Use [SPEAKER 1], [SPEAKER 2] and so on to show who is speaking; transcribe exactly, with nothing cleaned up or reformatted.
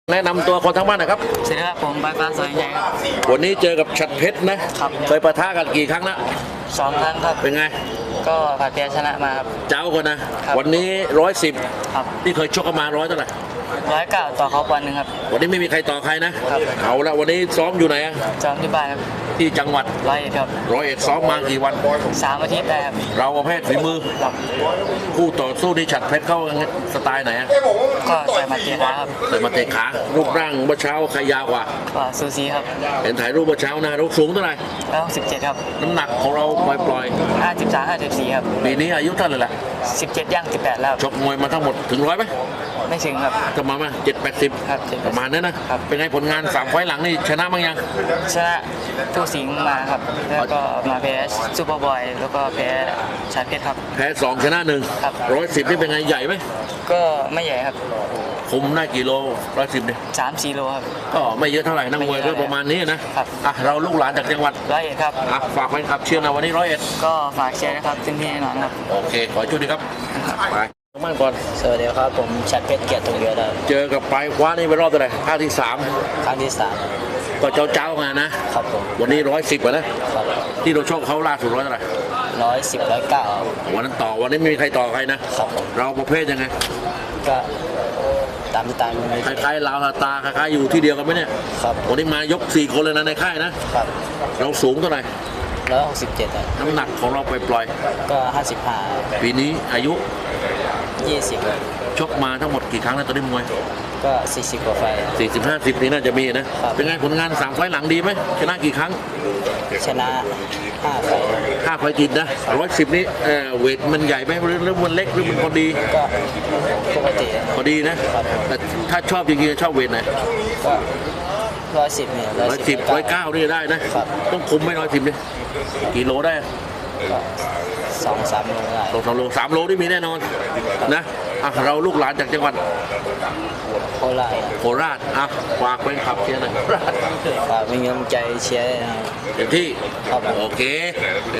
[SPEAKER 1] แนะนำตัวคนทั้งบ้านหนะครับ
[SPEAKER 2] สวัสดีครับผมบายฟ้าสวยใหญ่ครับ
[SPEAKER 1] วันนี้เจอกับฉัตรเพชรนะครับเคยปะทะกันกี่ครั้งนะ
[SPEAKER 2] สองครั้งครับ
[SPEAKER 1] เป็นไง
[SPEAKER 2] ก็ผ่านเพียชนะมาครับ
[SPEAKER 1] เจ้าคนนะวันนี้ร้อยสิบ
[SPEAKER 2] ครับ
[SPEAKER 1] ที่เคยชกกันมาร้อยเท่าไหร่
[SPEAKER 2] ร้อยเก้าต่อเขาวันหนึ่งครับ
[SPEAKER 1] วันนี้ไม่มีใครต่อใครนะครับเอาละวันนี้ซ้อมอยู่ไหนอะ
[SPEAKER 2] ซ้อมที่บ้านครับ
[SPEAKER 1] ที่จังหวัด
[SPEAKER 2] ร้อยเอ็ดครับ
[SPEAKER 1] ร้อยเอ็ดซ้อมมากี่วัน
[SPEAKER 2] สามอาทิตย์ได้ครับ
[SPEAKER 1] เราประเภทฝีมือ
[SPEAKER 2] ครับ
[SPEAKER 1] คู่ต่อสู้ที่ฉัตรเพชรเข้าสไตล์ไหนอะ
[SPEAKER 2] ก็ใส่มาเตะขาครับ
[SPEAKER 1] ใส่มาเตะขารูปร่างเมื่อเช้าใครยาวกว่า
[SPEAKER 2] ก็ซูซีครับ
[SPEAKER 1] เห็นถ่ายรูปเมื่อเช้านะเราสูงเท่าไหร่
[SPEAKER 2] แล้วสิบเจ็ดครับ
[SPEAKER 1] น้ำหนักของเราปล่อย
[SPEAKER 2] ห้าสิบสามห้าสิบสี่ครับ
[SPEAKER 1] ปีนี้อายุเท่าไหร่ละ
[SPEAKER 2] สิบเจ็ดย่างสิบแปดแล้ว
[SPEAKER 1] ชกมวยมาทั้งหมดถึงร้อยไหม
[SPEAKER 2] ไม่ถึงครับ
[SPEAKER 1] จะมาไหมเจ็ดแปดสิบ
[SPEAKER 2] ครับ
[SPEAKER 1] ประมาณนั้นนะครับเป็นไงผลงานสามไฟล์หลังนี่ชนะบ้างยัง
[SPEAKER 2] ชนะทูสิงห์มาครับแล้วก็มาแพ้ซูเปอร์บอยแล้วก็แพ้ชาเพชรครับ
[SPEAKER 1] แพ้สองชนะหนึ่งร้อยสิบนี่เป็นไงใหญ่ไหม
[SPEAKER 2] ก็ไม่ใหญ่ครับ
[SPEAKER 1] คุมได้กี่โลร้อยสิบเนี่ย
[SPEAKER 2] สามสี่โลครับ
[SPEAKER 1] ก็ไม่เยอะเท่าไหร่นักมวยก็ประมาณนี้นะครับอ่ะเราลูกหลานจากจังหวัด
[SPEAKER 2] ร้อยเอ็ดครับ
[SPEAKER 1] อ่ะฝากแฟนคลับเชียร์นะวันนี้ร้อยเอ็ด
[SPEAKER 2] ก็ฝากเชียร์นะครับเต็มที่แน่นอนครับ
[SPEAKER 1] โอเคขอช่วยดีครับไปมั่นก่อน
[SPEAKER 2] สวัสดีครับผมชัดเพชรเกียรติทองเยอะครับ
[SPEAKER 1] เจอกับปลายคว้านี่เป็นรอบเท่าไหร่ภาคที่สาม
[SPEAKER 2] ครั้งที่สาม
[SPEAKER 1] ก็เจ้าเจ้ามานะครับผมวันนี้ร้อยสิบนะครับที่เราโชคเขาล่าสุดร้อยเท่าไหร่
[SPEAKER 2] ร้อยสิบร้อยเก้า
[SPEAKER 1] วันนั้นต่อวันนี้ไม่มีใครต่อใครนะครับเราประเภทยังไง
[SPEAKER 2] ก็ตามตาม
[SPEAKER 1] คล้ายๆลาวตาคล้ายๆอยู่ที่เดียวกันไหมเนี่ย
[SPEAKER 2] ครับ
[SPEAKER 1] วันนี้มายกสี่คนเลยนะในค่ายนะครับเราสูงเท่าไหร่
[SPEAKER 2] ร้อยหกสิบเจ็ด
[SPEAKER 1] น้ำหนักของเราปล่อย
[SPEAKER 2] ๆก็ห้าสิบห้า
[SPEAKER 1] ปีนี้อายุ
[SPEAKER 2] ยี่สิบ
[SPEAKER 1] ชกมาทั้งหมดกี่ครั้งแล้วตอนนี้มวย
[SPEAKER 2] ก็สี่สิบกว่าไฟ
[SPEAKER 1] สี่สิบห้าสิบนี่น่าจะมีนะเป็นไงผลงานสามไฟล์หลังดีไหมชนะกี่ครั้ง
[SPEAKER 2] ชนะห้าไฟ
[SPEAKER 1] ห้าไฟติดนะร้อยสิบนี่เออเวทมันใหญ่ไหมหรือมันเล็กหรือมันพอดี
[SPEAKER 2] ก็ปกติ
[SPEAKER 1] พอดีนะแต่ถ้าชอบจริงๆชอบเวทไหน
[SPEAKER 2] ก็ร้อยสิบเนี่ย
[SPEAKER 1] ร้อยสิบร้อยเก้านี่ได้นะต้องคุมไม่ร้อยสิบเลยกี่โลได้
[SPEAKER 2] สองสามโลได้
[SPEAKER 1] สองสามโลสามโลนี่มีแน่นอนนะอ่ะเราลูกหลานจากจังหวัด
[SPEAKER 2] โคราช
[SPEAKER 1] โคราชอ่ะฝากเป็นขับเชียร์หน่อย
[SPEAKER 2] ฝากเป็นกำลังใจเชียร์นะครับ
[SPEAKER 1] เต็มที่โอเค